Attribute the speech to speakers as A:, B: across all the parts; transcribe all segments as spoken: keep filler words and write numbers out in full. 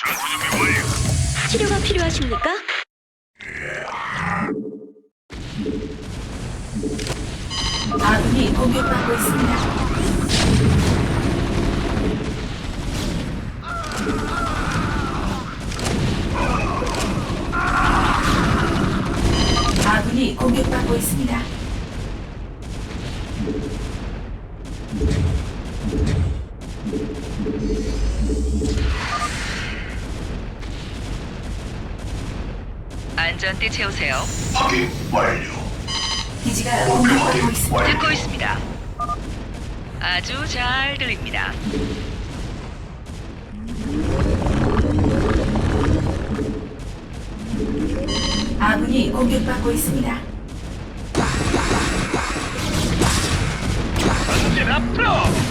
A: 전투 준비 완료.
B: 치료가 필요하십니까?
C: 아군이 공격받고 있습니다. 아군이 공격받고 있습니다.
D: 안전띠 채우세요.
A: 확인 완료.
C: 기지가
A: 목표
C: 공격받고
A: 확인
C: 있습니다.
A: 완료.
D: 듣고 있습니다. 아주 잘 들립니다.
C: 아군이 공격받고 있습니다.
A: 전진 앞으로.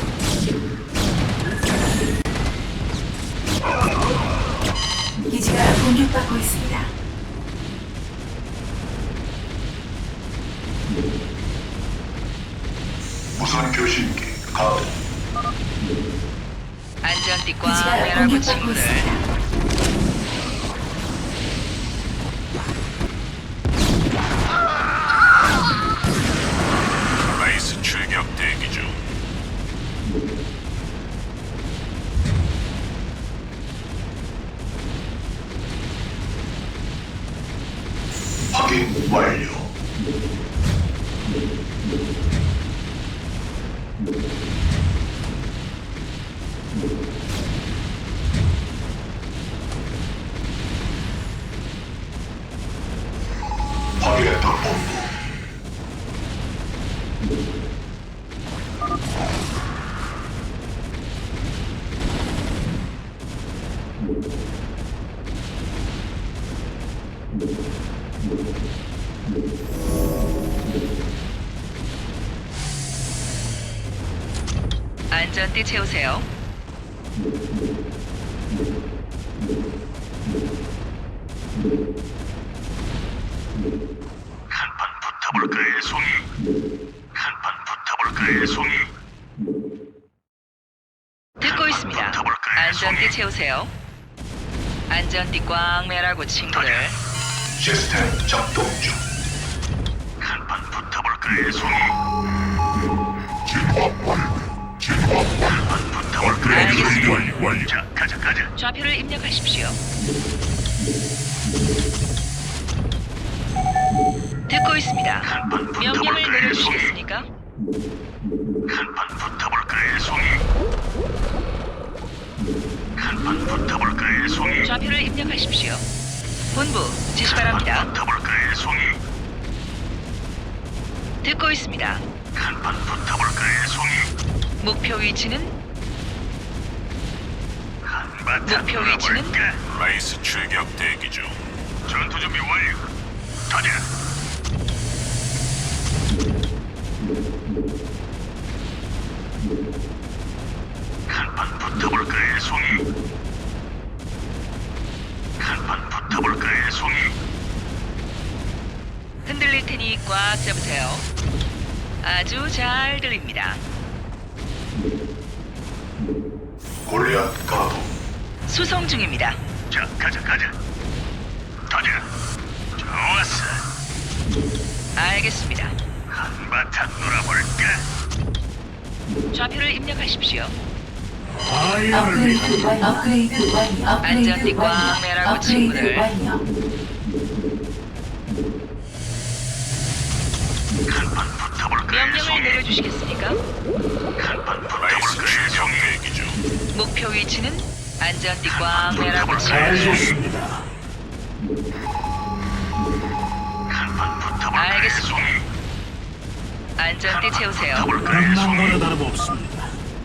C: 기지가 공격받고 있습니다.
A: 무선 교신기 가동.
D: 안전띠 꽉
C: 기지가
D: 매라고
C: 공격받고
D: 친구들.
C: 있습니다.
A: 라이스 출격 대기 중. 확인 완료. 확인했다 본부.
D: 안전띠 채우세요.
A: 한판 붙어볼까의 송이. 한판 붙어볼까의 송이.
D: 듣고 있습니다.
A: 붙어볼까요,
D: 안전띠
A: 송이?
D: 채우세요. 안전띠 꽉 매라고 친구들.
A: 시스템 작동 중. 한판 붙어볼까의 송이. 한판 붙어볼까의
D: 알겠습니다.
A: 송이. 완료. 자, 가자, 가자.
D: 좌표를 입력하십시오. 듣고 있습니다.
A: 한판
D: 명령을
A: 붙어볼까의 송이.
D: 내려주시겠습니까?
A: 한판 붙어볼까의 송이. 한판 붙어볼까의 송이.
D: 좌표를 입력하십시오. 본부 지시 바랍니다.
A: 한판 붙어볼까의 송이.
D: 듣고 있습니다.
A: 한판 붙어볼까의 송이.
D: 목표 위치는
A: 한바탕
D: 목표 위치는?
A: 놀아볼까? 라이스 출격 대기 중. 전투 준비 완료. 가자. 한판 붙어볼까의 송이. 한판 붙어볼까의 송이.
D: 흔들릴 테니 꽉 잡으세요. 아주 잘 들립니다.
A: 골리앗 가동.
D: 수송 중입니다.
A: 자, 가자, 가자. 가자. 좋았어.
D: 알겠습니다.
A: 한바탕 놀아볼까?
D: 좌표를 입력하십시오.
C: 업그레이드 완료. 업그레이드 완료. 업그레이드
D: 안전띠 꽉
C: 완료.
D: 매라고,
C: 업그레이드
D: 친구들.
C: 완료.
A: 한판 붙어볼까의
D: 명령을
A: 송이.
D: 내려주시겠습니까?
A: 한판 붙어볼까의 송이. 대기 중.
D: 목표 위치는 안전띠 꽉 매라고 친구들.
A: 알겠습니다. 한판 붙어볼까의
D: 알겠습니다.
A: 송이.
D: 안전띠 채우세요.
A: 붙어볼까의 송이.
E: 다름없습니다.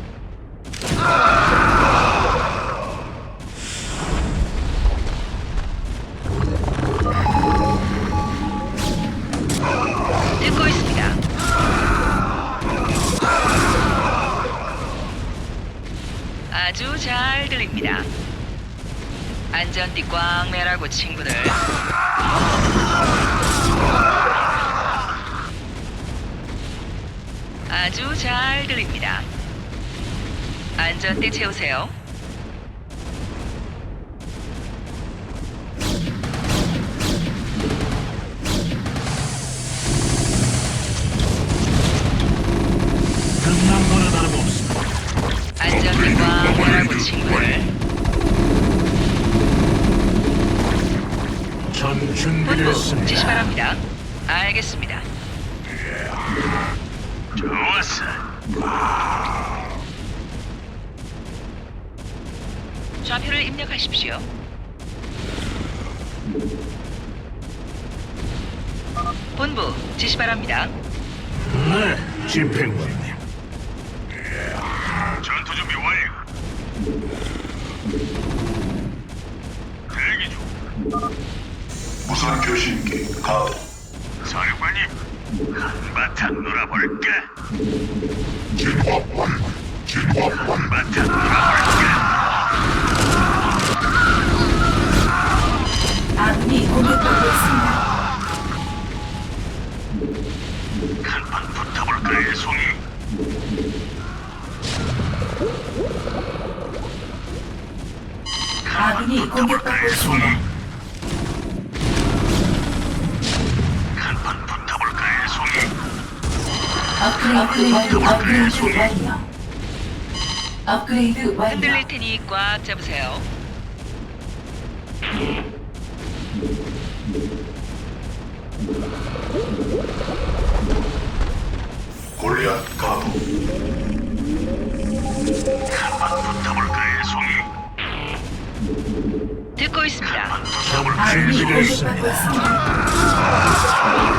D: 듣고 있습니다. 아주 잘 들립니다. 안전띠 꽉 매라고 친구들. 아주 잘 들립니다. 안전띠 채우세요.
E: 준비됐습니다.
D: 지시 바랍니다. 알겠습니다.
A: 좋았어.
D: 좌표를 입력하십시오. 본부 지시 바랍니다.
E: 네, 집행관님.
A: 전투 준비 완료. 대기 중.
F: 무선 교신기 가동.
A: 사령관님, 한바탕 놀아볼까? 한바탕 놀아볼까?
C: 아군이 공격받고 있습니다.
A: 한판 붙어볼까요, 송이?
C: 아군이 공격받고 있습니다.
A: 한판 붙어볼까요, 송이?
C: 업그레이드 완료. 업그레이드 완료. 업그레이드 완료.
D: 흔들릴 테니 꽉 잡으세요.
F: 골리앗 가동.
A: 한판 붙어볼까요, 송이?
D: 듣고 있습니다.
C: 아군이 공격받고
E: 준비됐습니다.
C: 있습니다.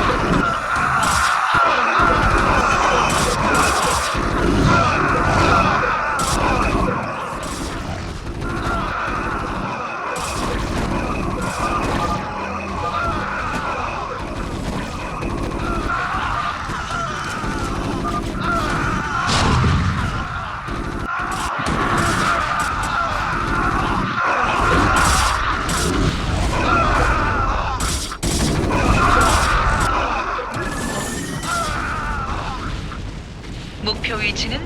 D: 목표 위치는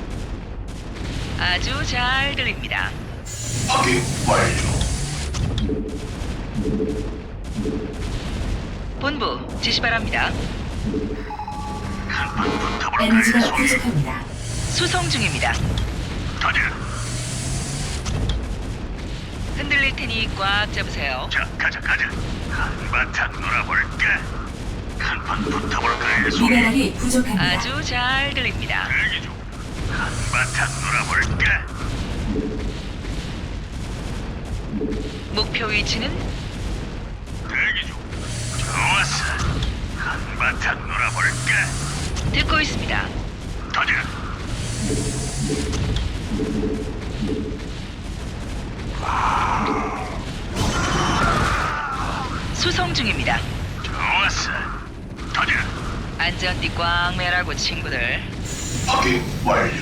D: 아주 잘 들립니다.
F: 확인 완료.
D: 본부 지시 바랍니다.
A: 한판 붙어볼까요,
C: 에너지가
A: 송이?
C: 부족합니다.
D: 수송 중입니다.
A: 가자.
D: 흔들릴 테니 꽉 잡으세요.
A: 자, 가자, 가자. 한바탕 놀아볼까? 한판 붙어볼까요, 송이?
C: 미네랄이 부족합니다.
D: 아주 잘 들립니다.
A: 대기 중. 한바탕 놀아볼까?
D: 목표 위치는
A: 대기 중. 좋았어. 한바탕 놀아볼까?
D: 듣고 있습니다.
A: 가자.
D: 수송 중입니다.
A: 좋았어. 가자.
D: 안전띠 꽉 매라고 친구들.
F: 확인 완료.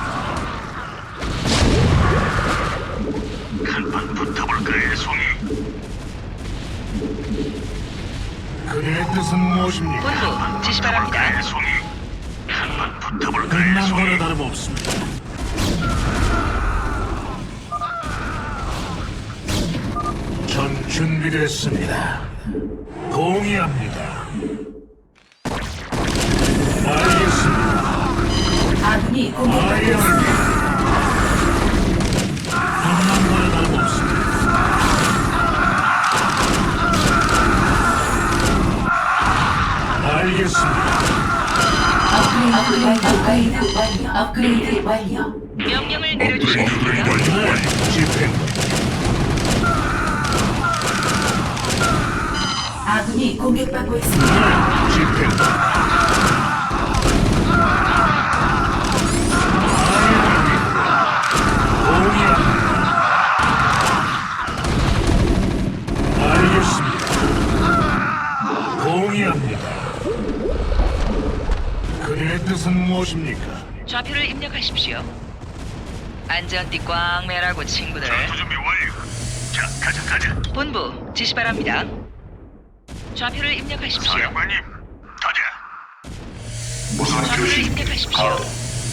A: 한판 붙어볼까요, 송이?
E: 그의 뜻은 무엇입니까?
D: 본부 지시 바랍니다.
A: 붙어볼까요, 송이? 한판 붙어볼까요,
E: 끝난 거나
A: 송이?
E: 다름없습니다. 전 준비됐습니다. 동의합니다. 알겠습니다.
C: 아군이 공격받고 있습니다.
E: 알겠습니다. 끝난 거나 다름없습니다. 알겠습니다.
C: 업그레이드 완료. 업그레이드 완료.
D: 명령을 내려주시겠습니까?
E: 네, 집행관.
C: 아군이 공격받고 있습니다.
E: 네, 집행관. 알겠습니다. 동의합니다. 그의 뜻은 무엇입니까?
D: 좌표를 입력하십시오. 안전띠 꽉 매라고 친구들.
A: 전투 준비 완료. 자, 가자, 가자.
D: 본부 지시 바랍니다. 좌표를 입력하십시오.
A: 사령관님, 가자.
F: 무선
D: 좌표를
F: 교신기
D: 입력하십시오.
F: 가동.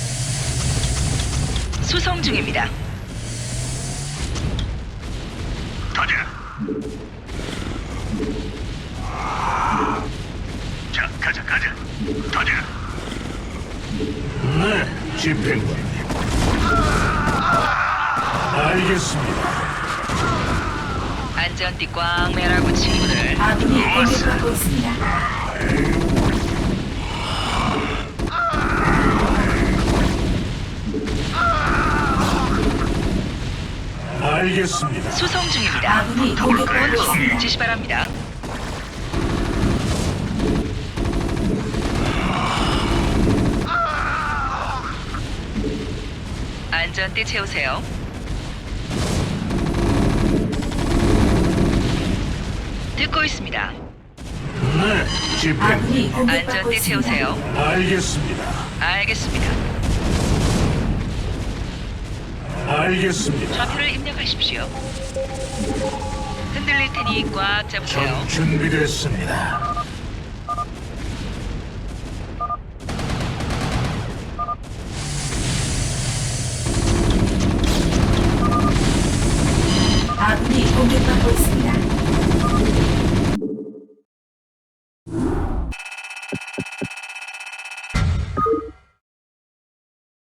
D: 수송 중입니다.
A: 가자. 자, 가자, 가자. 가자.
E: 네, 집행관님. 알겠습니다.
D: 안전띠 꽝 매라고 친구들.
C: 아군이 공격받고 있습니다.
E: 알겠습니다.
D: 수송 중입니다.
C: 아군이 공격받고 있습니다.
D: 지시 바랍니다. 안전띠 채우세요. 듣고 있습니다.
E: 네, 집행.
C: 아군이 공격받고
D: 안전띠
C: 있습니다.
D: 채우세요.
E: 알겠습니다.
D: 알겠습니다.
E: 알겠습니다.
D: 좌표를 입력하십시오. 흔들릴 테니 꽉 잡으세요.
E: 전 준비됐습니다.
C: 아군이 공격받고 있습니다.